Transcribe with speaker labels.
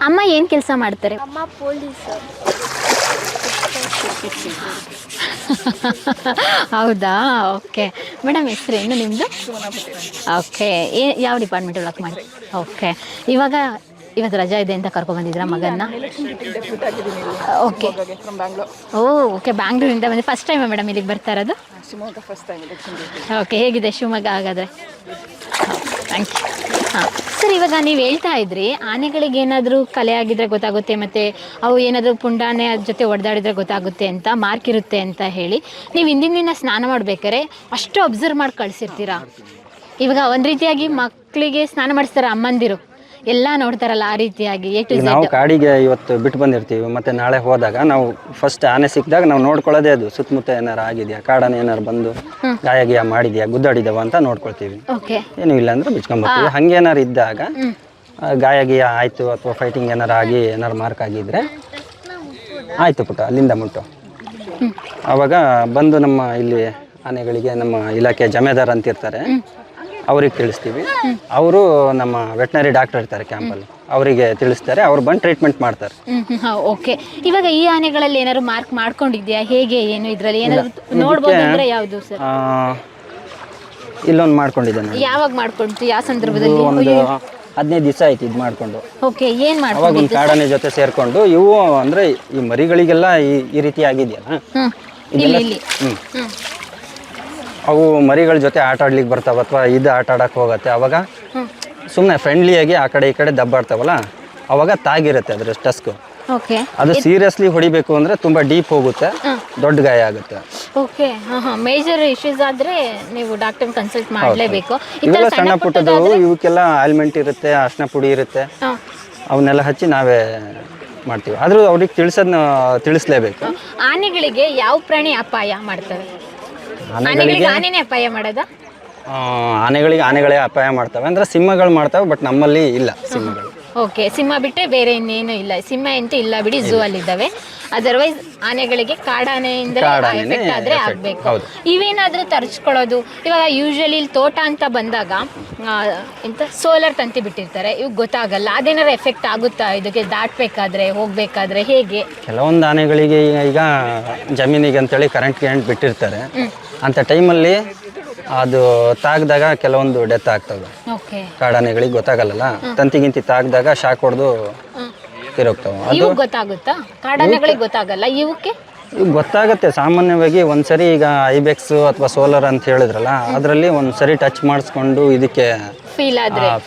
Speaker 1: ಅಮ್ಮ ಏನು ಕೆಲಸ ಮಾಡ್ತಾರೆ?
Speaker 2: ಅಮ್ಮ ಪೊಲೀಸ್.
Speaker 1: ಹೌದಾ, ಓಕೆ. ಮೇಡಮ್ ಹೆಸರೇನು ನಿಮ್ಮದು? ಓಕೆ. ಯಾವ ಡಿಪಾರ್ಟ್ಮೆಂಟ್ ವರ್ಕ್ ಮಾಡಿ? ಓಕೆ. ಇವತ್ತು ರಜಾ ಇದೆ ಅಂತ ಕರ್ಕೊಂಡ್ಬಂದಿದ್ರಾ ಮಗನ್ನ? ಓಕೆ. ಓಕೆ, ಬ್ಯಾಂಗ್ಳೂರಿಂದ ಬಂದು ಫಸ್ಟ್ ಟೈಮಾ ಮೇಡಮ್ ಇಲ್ಲಿಗೆ ಬರ್ತಾ ಇರೋದು? ಓಕೆ, ಹೇಗಿದೆ ಶಿವಮೊಗ್ಗ ಹಾಗಾದರೆ? Thank you. ಹಾಂ ಸರ್, ಇವಾಗ ನೀವು ಹೇಳ್ತಾ ಇದ್ರಿ ಆನೆಗಳಿಗೆ ಏನಾದರೂ ಕಲೆ ಆಗಿದ್ರೆ ಗೊತ್ತಾಗುತ್ತೆ, ಮತ್ತು ಅವು ಏನಾದರೂ ಪುಂಡಾನೆ ಅದ್ರ ಜೊತೆ ಹೊಡೆದಾಡಿದ್ರೆ ಗೊತ್ತಾಗುತ್ತೆ ಅಂತ, ಮಾರ್ಕ್ ಇರುತ್ತೆ ಅಂತ ಹೇಳಿ. ನೀವು ಹಿಂದಿನ ದಿನ ಸ್ನಾನ ಮಾಡ್ಬೇಕಾರೆ ಅಷ್ಟು ಅಬ್ಸರ್ವ್ ಮಾಡಿ ಕಳಿಸಿರ್ತೀರಾ? ಇವಾಗ ಒಂದು ರೀತಿಯಾಗಿ ಮಕ್ಕಳಿಗೆ ಸ್ನಾನ ಮಾಡಿಸ್ತಾರೆ ಅಮ್ಮಂದಿರು, ಎಲ್ಲ ನೋಡ್ತಾರಲ್ಲ ಆ ರೀತಿಯಾಗಿ
Speaker 3: ನಾವು ಕಾಡಿಗೆ ಇವತ್ತು ಬಿಟ್ಟು ಬಂದಿರ್ತೀವಿ, ಮತ್ತೆ ನಾಳೆ ಹೋದಾಗ ನಾವು ಫಸ್ಟ್ ಆನೆ ಸಿಕ್ಕಿದಾಗ ನಾವು ನೋಡ್ಕೊಳ್ಳೋದೇ ಅದು ಸುತ್ತಮುತ್ತ ಏನಾರು ಆಗಿದೆಯಾ, ಕಾಡಾನೆ ಏನಾರು ಬಂದು ಗಾಯ ಗಿಯ ಮಾಡಿದ್ಯಾ, ಗುದ್ದಾಡಿದವ ಅಂತ ನೋಡ್ಕೊಳ್ತೀವಿ. ಏನು ಇಲ್ಲ ಅಂದ್ರೆ ಬಿಚ್ಕೊಂಡ್ಬರ್ತೀವಿ. ಹಂಗೇನಾರು ಇದ್ದಾಗ ಗಾಯ ಗಿಯ ಆಯಿತು ಅಥವಾ ಫೈಟಿಂಗ್ ಏನಾರು ಆಗಿ ಏನಾರು ಮಾರ್ಕ್ ಆಗಿದ್ರೆ ಆಯಿತು ಪುಟ್ಟ ಅಲ್ಲಿಂದ ಮುಟ್ಟು. ಆವಾಗ ಬಂದು ನಮ್ಮ ಇಲ್ಲಿ ಆನೆಗಳಿಗೆ ನಮ್ಮ ಇಲಾಖೆ ಜಮೇದಾರ್ ಅಂತಿರ್ತಾರೆ, ಅವ್ರಿಗೆ ತಿಳಿಸ್ತೀವಿ. ಅವರು ನಮ್ಮ ವೆಟನರಿ ಡಾಕ್ಟರ್ ಇರ್ತಾರೆ ಕ್ಯಾಂಪಲ್ಲಿ, ಅವರಿಗೆ ತಿಳಿಸ್ತಾರೆ, ಅವ್ರು ಬಂದು ಟ್ರೀಟ್ಮೆಂಟ್ ಮಾಡ್ತಾರೆ.
Speaker 1: ಓಕೆ. ಇವಾಗ ಈ ಆನೆಗಳಲ್ಲಿ ಏನಾದ್ರು ಮಾರ್ಕ್ ಮಾಡ್ಕೊಂಡಿದ್ಯಾ, ಹೇಗೆ ಏನು ಇದರಲ್ಲಿ ಏನಾದ್ರು ನೋಡ್ಬೋದು ಅಂದ್ರೆ ಯಾವುದು ಸರ್?
Speaker 3: ಇಲ್ಲೊಂದು ಮಾಡ್ಕೊಂಡಿದ್ದೇನೆ.
Speaker 1: ಯಾವಾಗ ಮಾಡ್ಕೊಂಡ್ತು, ಯಾವ ಸಂದರ್ಭದಲ್ಲಿ?
Speaker 3: ಒಂದು 15 ದಿವಸ ಆಯ್ತು ಇದು ಮಾಡ್ಕೊಂಡು.
Speaker 1: ಓಕೆ, ಏನು
Speaker 3: ಅವಾಗ
Speaker 1: ಮಾಡ್ಕೊಂಡು?
Speaker 3: ಒಂದು ಕಾಡಾನೆ ಜೊತೆ ಸೇರ್ಕೊಂಡು ಇವು ಅಂದ್ರೆ ಈ ಮರಿಗಳಿಗೆಲ್ಲ ಈ ರೀತಿ ಆಗಿದೆಯಲ್ಲ,
Speaker 1: ಇಲ್ಲಿ
Speaker 3: ಅವು ಮರಿಗಳ ಜೊತೆ ಆಟ ಆಡ್ಲಿಕ್ಕೆ ಬರ್ತಾವ ಅಥವಾ ಇದು ಆಟ ಆಡಕ್ಕೆ ಹೋಗುತ್ತೆ. ಅವಾಗ ಸುಮ್ಮನೆ ಫ್ರೆಂಡ್ಲಿಯಾಗಿ ಆ ಕಡೆ ಈ ಕಡೆ ದಬ್ಬಾಡ್ತಾವಲ್ಲ, ಅವಾಗ ತಾಗಿರುತ್ತೆ ಅದ್ರ ಟಸ್ಕು.
Speaker 1: ಓಕೆ.
Speaker 3: ಅದು ಸೀರಿಯಸ್ಲಿ ಹೊಡಿಬೇಕು ಅಂದ್ರೆ ತುಂಬಾ ಡೀಪ್ ಹೋಗುತ್ತೆ, ದೊಡ್ಡ ಗಾಯ ಆಗುತ್ತೆ.
Speaker 1: ಓಕೆ. ಮೇಜರ್ ಇಶ್ಯೂಸ್ ಆದ್ರೆ ನೀವು ಡಾಕ್ಟರ್ ಕನ್ಸಲ್ಟ್ ಮಾಡಲೇಬೇಕು.
Speaker 3: ಇವೆಲ್ಲ ಸಣ್ಣ ಪುಟ್ಟದವು, ಇವಕ್ಕೆಲ್ಲ ಆಲ್ಮೆಂಟ್ ಇರುತ್ತೆ, ಅರ್ಶಿನ ಪುಡಿ ಇರುತ್ತೆ, ಅವನ್ನೆಲ್ಲ ಹಚ್ಚಿ ನಾವೇ ಮಾಡ್ತೀವಿ. ಆದ್ರೂ ಅವ್ರಿಗೆ ತಿಳಿಸ್ಲೇಬೇಕು.
Speaker 1: ಆನೆಗಳಿಗೆ ಯಾವ ಪ್ರಾಣಿ ಅಪಾಯ ಮಾಡ್ತವೆ? ಆನೆಗಳಿಗೆ ಆನೆನೇ ಅಪಾಯ ಮಾಡೋದಾ?
Speaker 3: ಆನೆಗಳೇ ಅಪಾಯ ಮಾಡ್ತವೆ ಅಂದ್ರೆ ಸಿಂಹಗಳು ಮಾಡ್ತವೆ, ಬಟ್ ನಮ್ಮಲ್ಲಿ ಇಲ್ಲ ಸಿಂಹಗಳು.
Speaker 1: ಓಕೆ, ಸಿಂಹ ಬಿಟ್ಟರೆ ಬೇರೆ ಇನ್ನೇನು ಇಲ್ಲ. ಸಿಂಹ ಅಂತೂ ಇಲ್ಲ ಬಿಡಿ, ಝೂ ಅಲ್ಲಿದ್ದಾವೆ. ಅದರ್ವೈಸ್ ಆನೆಗಳಿಗೆ ಕಾಡಾನೆಯಿಂದ ಎಫೆಕ್ಟ್ ಆದರೆ ಆಗಬೇಕು. ಇವೇನಾದರೂ ತರಿಸ್ಕೊಳ್ಳೋದು, ಇವಾಗ ಯೂಶಲಿ ಇಲ್ಲಿ ತೋಟ ಅಂತ ಬಂದಾಗ ಎಂತ ಸೋಲಾರ್ ತಂತಿ ಬಿಟ್ಟಿರ್ತಾರೆ, ಇವಾಗ ಗೊತ್ತಾಗಲ್ಲ, ಅದೇನಾದ್ರು ಎಫೆಕ್ಟ್ ಆಗುತ್ತಾ ಇದಕ್ಕೆ ದಾಟಬೇಕಾದ್ರೆ ಹೋಗ್ಬೇಕಾದ್ರೆ ಹೇಗೆ?
Speaker 3: ಕೆಲವೊಂದು ಆನೆಗಳಿಗೆ ಈಗ ಜಮೀನಿಗೆ ಅಂತೇಳಿ ಕರೆಂಟ್ ಬಿಟ್ಟಿರ್ತಾರೆ, ಅಂಥ ಟೈಮಲ್ಲಿ ಅದು ತಾಗ್ದಾಗ ಕೆಲವೊಂದು ಡೆತ್ ಆಗ್ತವೆ. ಕಾಡಾನೆಗಳಿಗೆ ಗೊತ್ತಾಗಲ್ಲ, ತಂತಿಗಿಂತಿ ತಾಗ್ದಾಗ ಶಾಕ್ ಹೊಡೆದು ತಿರೋಗ್ತವೆ. ಅದು
Speaker 1: ಗೊತ್ತಾಗುತ್ತಾ? ಕಾಡಾನೆಗಳಿಗೆ ಗೊತ್ತಾಗಲ್ಲ, ಇವಕ್ಕೆ
Speaker 3: ಗೊತ್ತಾಗುತ್ತೆ ಸಾಮಾನ್ಯವಾಗಿ. ಒಂದ್ಸರಿ ಈಗ ಐಬೆಕ್ಸ್ ಅಥವಾ ಸೋಲಾರ್ ಅಂತ ಹೇಳಿದ್ರಲ್ಲ, ಅದರಲ್ಲಿ ಒಂದ್ಸರಿ ಟಚ್ ಮಾಡಿಸ್ಕೊಂಡು ಇದಕ್ಕೆ
Speaker 1: ಫೀಲ್ ಆದ್ರೆ